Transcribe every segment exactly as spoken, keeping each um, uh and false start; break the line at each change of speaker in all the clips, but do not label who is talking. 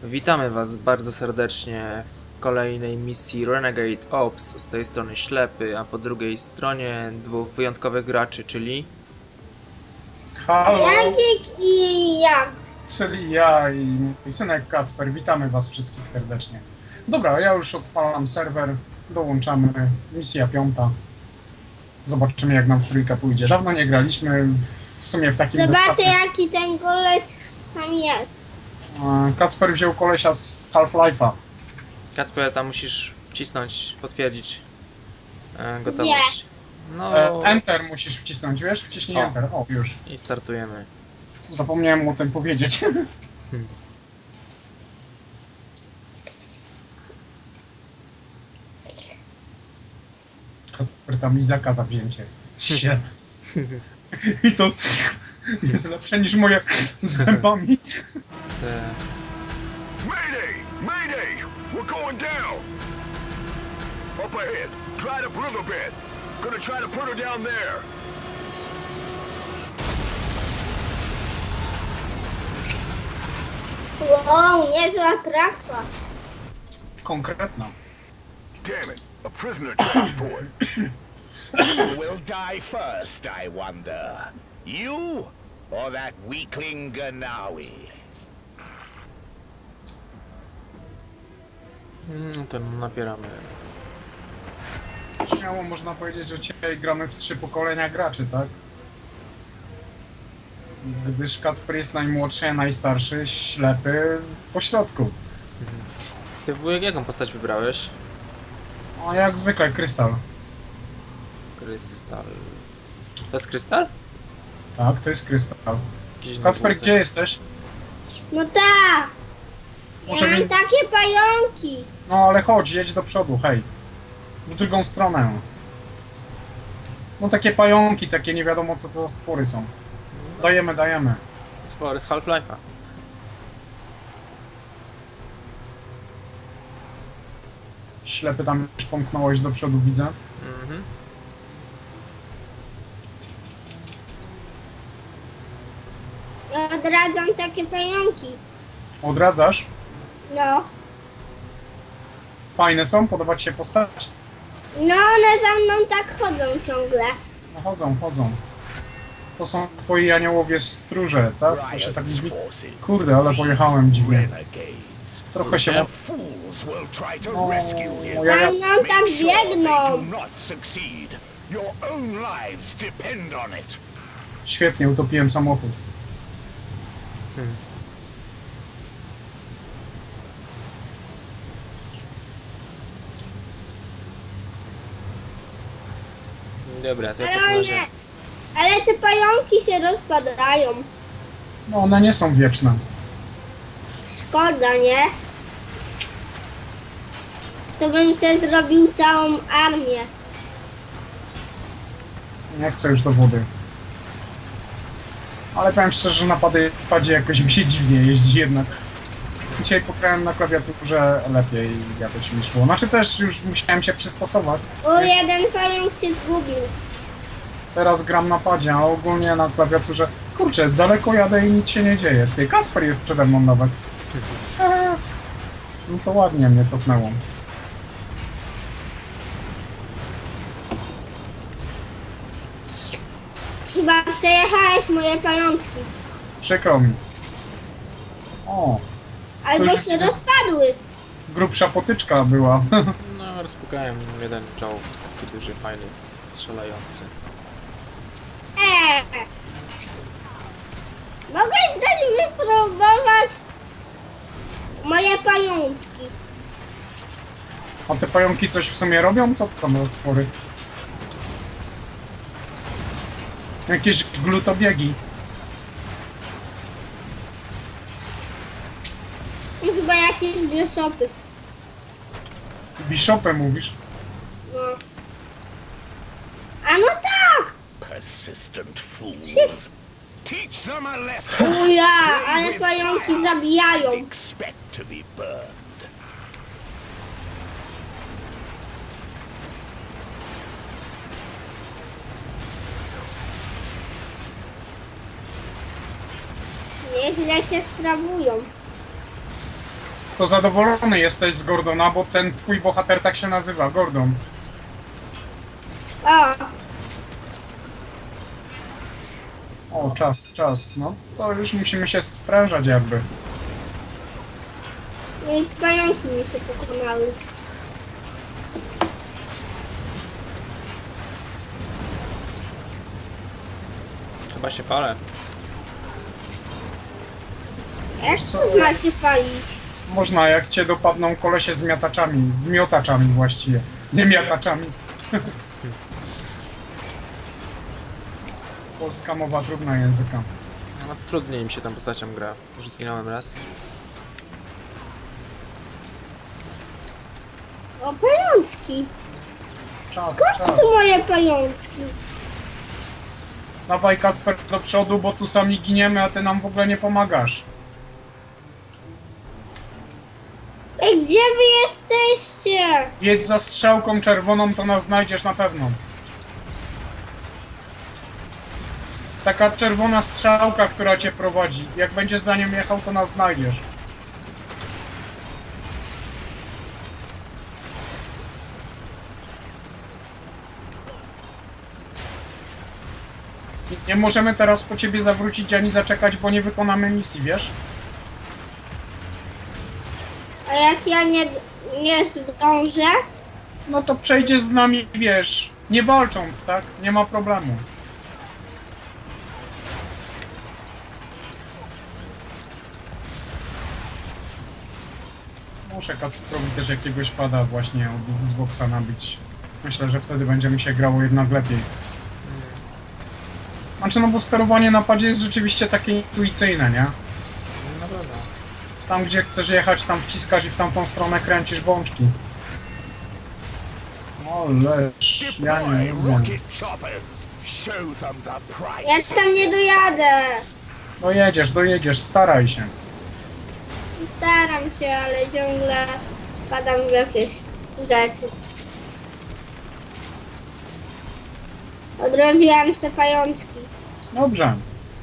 Witamy Was bardzo serdecznie w kolejnej misji Renegade Ops. Z tej strony Ślepy, a po drugiej stronie dwóch wyjątkowych graczy, czyli...
Halo,
Jagik i ja.
czyli ja i mój synek Kacper. Witamy Was wszystkich serdecznie. Dobra, ja już odpalam serwer, dołączamy, misja piąta. Zobaczymy, jak nam w trójkę pójdzie. Dawno nie graliśmy, w sumie w takim
Zobaczcie,
zestawie.
jaki ten koleś sam jest.
E, Kacper wziął kolesia z Half-Life'a.
Kacper, tam musisz wcisnąć, potwierdzić e, gotowość. No
E, Enter musisz wcisnąć, wiesz? Wciśnij
O.
Enter. O, już.
i startujemy.
Zapomniałem o tym powiedzieć.
Hmm.
Kacper tam Izaka za wzięcie. Sie. I to jest lepsze niż moje z zębami.
Te...
Mayday! Mayday! We're going down! Up ahead, dried up riverbed. Gonna try to put her down there.
Wow, niezła kraksa.
Konkretna.
Damn it, a prisoner transport.
Who will die first, I wonder? You or that weakling Ganawi?
Mm, to napieramy.
Śmiało można powiedzieć, że dzisiaj gramy w trzy pokolenia graczy, tak? Gdyż Kacper jest najmłodszy, a najstarszy, ślepy po środku.
Ty wujek, jaką postać wybrałeś?
A jak zwykle krystal.
Krystal... To jest krystal?
Tak, to jest krystal.
Jakiś inny
Kacper,
włosek.
gdzie jesteś?
No tak,
Może
ja mam
wy...
takie pająki.
No ale chodź, jedź do przodu, hej. W drugą stronę. No takie pająki, takie nie wiadomo co to za stwory są. Dajemy, dajemy.
Spory z Half-Life'a.
Ślepy tam już pomknąłeś do przodu, widzę.
Mhm.
Ja odradzam takie pająki.
Odradzasz?
No,
Fajne są? Podoba ci się postać?
no one za mną tak chodzą ciągle.
No chodzą, chodzą. To są twoi aniołowie stróże, tak? To się tak
Riot's
mówi.
forces.
Kurde, ale pojechałem dziwnie.
Renegades.
Trochę się...
The fools will try to
O,
rescue him.
ja-
Za mną tak
Make sure they
biegną.
do not succeed. Your own lives depend on it.
Świetnie, utopiłem samochód.
Hmm. Dobra, to ja w
Ale
takim razie...
one, ale te pająki się rozpadają.
No one nie są wieczne.
Szkoda, nie? To bym sobie zrobił całą armię.
Nie chcę już do wody. Ale powiem szczerze, że na pady- padzie jakoś mi się dziwnie jeździ jednak. Dzisiaj pograłem na klawiaturze lepiej i jakoś mi szło. Znaczy też już musiałem się przystosować.
O, jeden pająk się zgubił.
Teraz gram na padzie, a ogólnie na klawiaturze... Kurczę, daleko jadę i nic się nie dzieje. Ty, Kacper jest przede mną nawet. Eee, No to ładnie mnie cofnęło.
Chyba przejechałeś moje pajączki.
Przykro mi. O,
Albo
już
się
widzę.
rozpadły.
grubsza potyczka była.
No, rozpukałem jeden czołg, taki duży, fajny, strzelający.
Eee. Mogę dać wypróbować moje pajączki.
A te pająki coś w sumie robią? Co to są za stwory? Jakieś glutobiegi.
I chyba jakieś bieszopy.
Bishopem mówisz?
No. A no tak!
Persistent fools. Teach them a lesson.
O ja, ale pająki zabijają.
Expect to be burned.
Nieźle się sprawują.
To zadowolony jesteś z Gordona, bo ten twój bohater tak się nazywa, Gordon.
O,
O, czas, czas, no. To już musimy się sprężać jakby.
no i pająki mi się pokonały.
Chyba się palę.
Jak
co?
to ma się palić?
Można, jak cię dopadną kolesie z miataczami, z miotaczami właściwie. Nie miataczami. Polska mowa trudna języka.
No, trudniej mi się tą postacią gra. Już zginąłem raz.
O, pajączki.
Czas,
Skąd
czas.
tu moje pajączki?
Dawaj Kacper do przodu, bo tu sami giniemy, a ty nam w ogóle nie pomagasz.
Ej, gdzie wy jesteście?
Jedź za strzałką czerwoną, to nas znajdziesz na pewno. Taka czerwona strzałka, która cię prowadzi. Jak będziesz za nią jechał, to nas znajdziesz. I nie możemy teraz po ciebie zawrócić ani zaczekać, bo nie wykonamy misji, wiesz?
A jak ja nie, nie zdążę?
No to przejdziesz z nami, wiesz, nie walcząc, tak? Nie ma problemu. Muszę Kacprowi też jakiegoś pada właśnie od Xboxa nabić. Myślę, że wtedy będzie mi się grało jednak lepiej. Znaczy, no bo sterowanie na padzie jest rzeczywiście takie intuicyjne, nie?
No dobra.
Tam, gdzie chcesz jechać, tam wciskasz i w tamtą stronę kręcisz bączki. O, lecz, ja nie
Deploy
lubię.
rocket choppers. Show them the
Ja
price.
tam nie dojadę.
Dojedziesz, dojedziesz, staraj się.
Staram się, ale ciągle padam w jakieś rzeczy. Odrodziłam se pajączki.
Dobrze.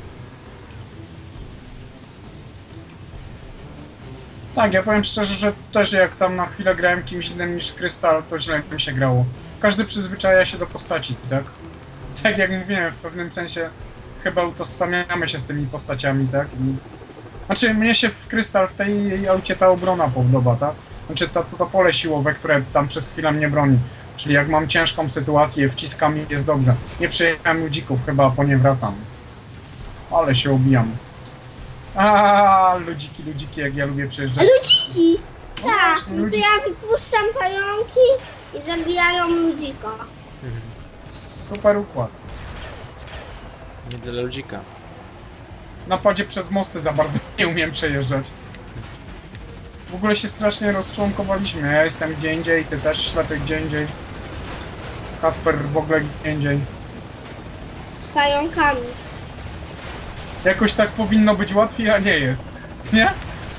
Tak, ja powiem szczerze, że też jak tam na chwilę grałem kimś innym niż Krystal, to źle mi się grało. Każdy przyzwyczaja się do postaci, tak? Tak jak mówiłem, w pewnym sensie chyba utożsamiamy się z tymi postaciami, tak? I... Znaczy, mnie się w Krystal, w tej aucie ta obrona podoba, tak? Znaczy, to, to, to pole siłowe, które tam przez chwilę mnie broni. Czyli jak mam ciężką sytuację, wciskam i jest dobrze. Nie przejechałem ludzików, chyba po nie wracam. Ale się obijam. A ludziki, ludziki, jak ja lubię przejeżdżać.
Ludziki!
No
Tak,
właśnie,
no to
ludziki.
ja wypuszczam pająki i zabijają ludzika.
Super układ.
Nie dla ludzika.
Na padzie przez mosty za bardzo nie umiem przejeżdżać. W ogóle się strasznie rozczłonkowaliśmy. Ja jestem gdzie indziej, ty też ślepy gdzie indziej. Kacper w ogóle gdzie indziej.
Z pająkami.
Jakoś tak powinno być łatwiej, a nie jest. Nie?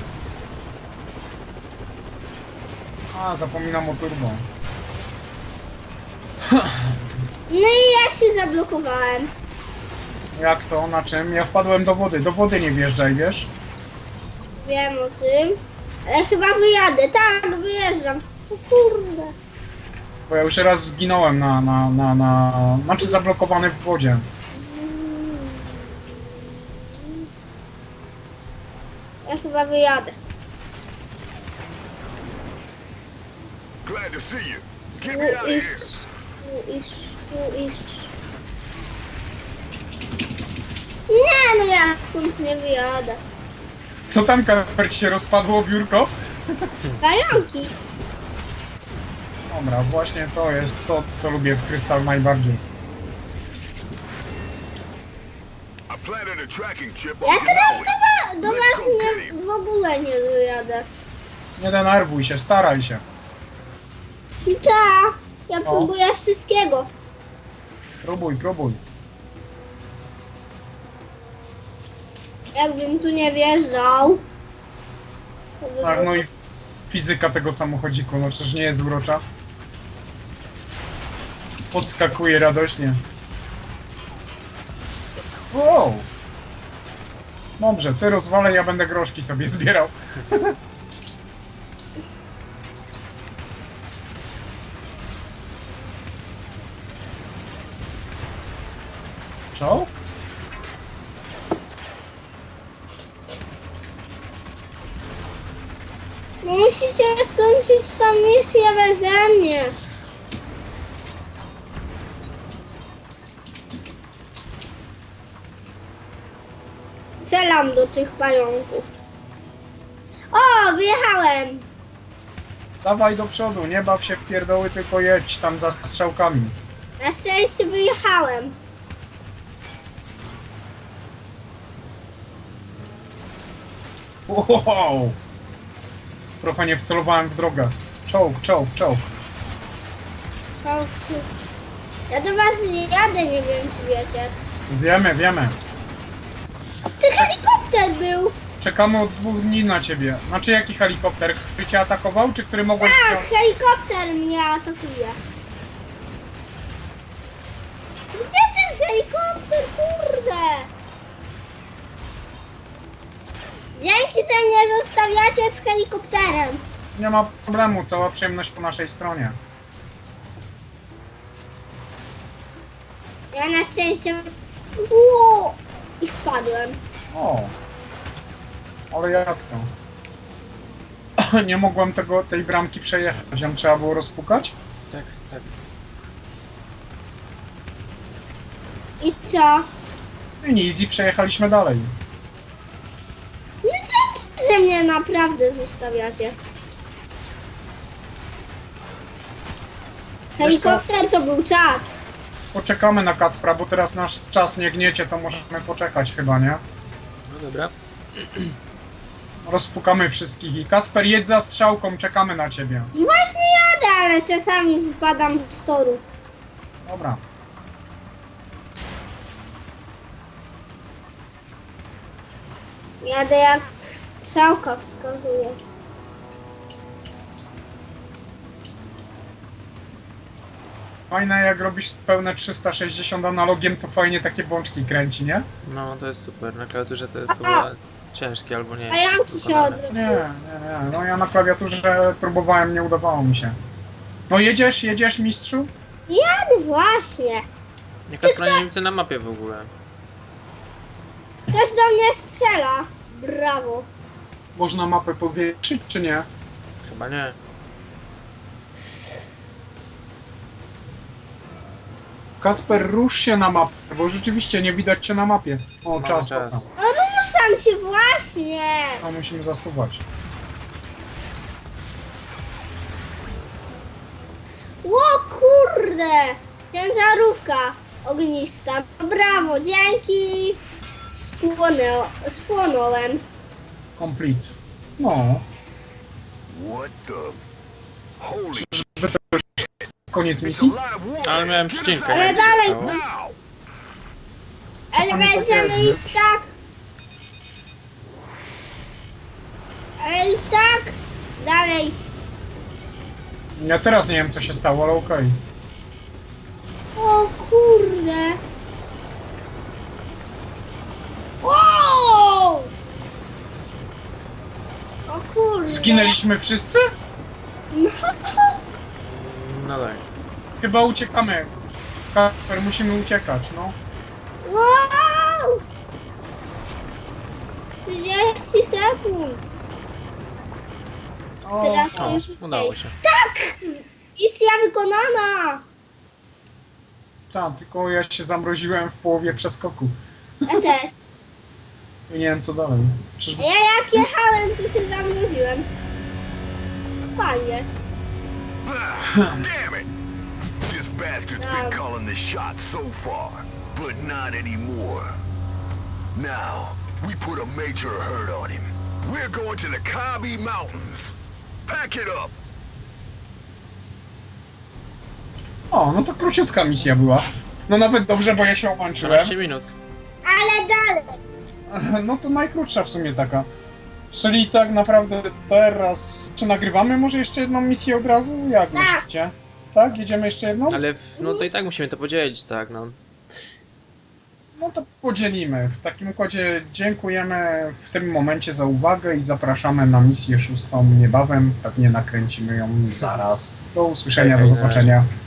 A, zapominam o turbo.
No i ja się zablokowałem.
Jak to? Na czym? Ja wpadłem do wody. Do wody nie wjeżdżaj, wiesz?
Wiem o tym. Ale chyba wyjadę. Tak, wyjeżdżam. O kurde.
Bo ja już raz zginąłem na, na, na, na... Znaczy zablokowany w wodzie.
Ja chyba wyjadę.
Glad to see you. Get
Tu
me out of here.
iść. Tu iść. Tu iść. Nie, no ja stąd nie wyjadę.
Co tam, Kacper, się rozpadło biurko?
Pająki.
Dobra, właśnie to jest to, co lubię w Krystal najbardziej.
I planted a tracking chip
Ja
on
teraz
Denali.
do, wa- do was nie, w ogóle nie dojadę.
Nie denerwuj się, staraj się.
I tak, ja próbuję wszystkiego.
Próbuj, próbuj.
Jakbym tu nie wjeżdżał, to by
Tak,
było...
no i fizyka tego samochodziku, no czyż nie jest urocza? Podskakuje radośnie. Wow! Dobrze, ty rozwalę, ja będę groszki sobie zbierał. Czołg?
Musicie skończyć tą misję beze mnie. Strzelam do tych pająków. O, wyjechałem.
Dawaj do przodu, nie baw się w pierdoły, tylko jedź tam za strzałkami.
Na szczęście wyjechałem.
Wow! Trochę nie wcelowałem w drogę. Czołg, czołg, czołg.
O, ty. Ja do was nie jadę, nie wiem czy wiecie.
Wiemy, wiemy.
Ty helikopter był.
Czekamy od dwóch dni na ciebie. Znaczy jaki helikopter? Który cię atakował, czy który mogłeś...
Tak, helikopter mnie atakuje. Gdzie ten helikopter, kurde? Dzięki, że mnie zostawiacie z helikopterem.
Nie ma problemu, cała przyjemność po naszej stronie.
Ja na szczęście... Ło! I spadłem.
O! Ale jak to? Nie mogłem tego, tej bramki przejechać, ją trzeba było rozpukać?
Tak, tak.
I co?
I nic, i przejechaliśmy dalej.
No dzięki, że mnie naprawdę zostawiacie.
Wiesz co?
Helikopter to był czad.
Poczekamy na Kacpra, bo teraz nasz czas nie gniecie, to możemy poczekać chyba, nie?
No dobra.
Rozpukamy wszystkich i Kacper, jedź za strzałką, czekamy na ciebie.
Właśnie jadę, ale czasami wypadam z toru.
Dobra.
Jadę jak strzałka wskazuje.
Fajne, jak robisz pełne trzysta sześćdziesiąt analogiem, to fajnie takie bączki kręci, nie?
No to jest super. Na klawiaturze to jest chyba ciężkie albo nie.
Pająki się
wykonane.
odrobiły.
Nie, nie, nie. No ja na klawiaturze próbowałem, nie udawało mi się. No jedziesz, jedziesz, mistrzu?
Jadę właśnie.
Jaka strona nie widzę na mapie w ogóle.
Ktoś do mnie strzela. Brawo.
Można mapę powiększyć, czy nie?
Chyba nie.
Kacper, rusz się na mapę, bo rzeczywiście nie widać cię na mapie. O,
Mamy
czas,
czas.
czas.
No ruszam się właśnie.
No musimy zasuwać.
Ło kurde. Ciężarówka ognista. No brawo, dzięki. Spłonę, spłonąłem.
Complete. No,
What the? Holy
koniec
it's a
misji?
live one.
Ale miałem
Get us
przycinkę,
out
Ale
jak się
dalej-
stało.
now.
Ale
Czasami tak
będziemy
jest,
i tak. Ale i tak. Dalej.
Ja teraz nie wiem, co się stało, ale okej.
O kurde. Wow! O kurde.
Zginęliśmy wszyscy?
No.
No tak.
Chyba uciekamy. Kacper, musimy uciekać, no.
Wow! trzydzieści sekund.
O,
Teraz
O,
już
udało się.
Tak! Misja wykonana!
tak, tylko ja się zamroziłem w połowie przeskoku.
Ja też.
I nie wiem, co dalej. Przecież...
A ja jak jechałem, to się zamroziłem. Fajnie.
Ah, damn it! This bastard's been
Um.
calling the shots so far, but not anymore. Now, we put a major hurt on him. We're going to the Kabi Mountains. Pack it up!
O, no to króciutka misja była. No nawet dobrze, bo ja się omęczyłem.
dwanaście minut.
Ale dalej.
No to najkrótsza w sumie taka. Czyli tak naprawdę teraz... Czy nagrywamy może jeszcze jedną misję od razu? Jak
Tak.
myślicie? Tak? Jedziemy jeszcze jedną?
Ale w, no to i tak musimy to podzielić, tak no.
No to podzielimy. W takim układzie dziękujemy w tym momencie za uwagę i zapraszamy na misję szóstą niebawem. Pewnie nakręcimy ją zaraz. Do usłyszenia,
Hej,
do
hej,
zobaczenia.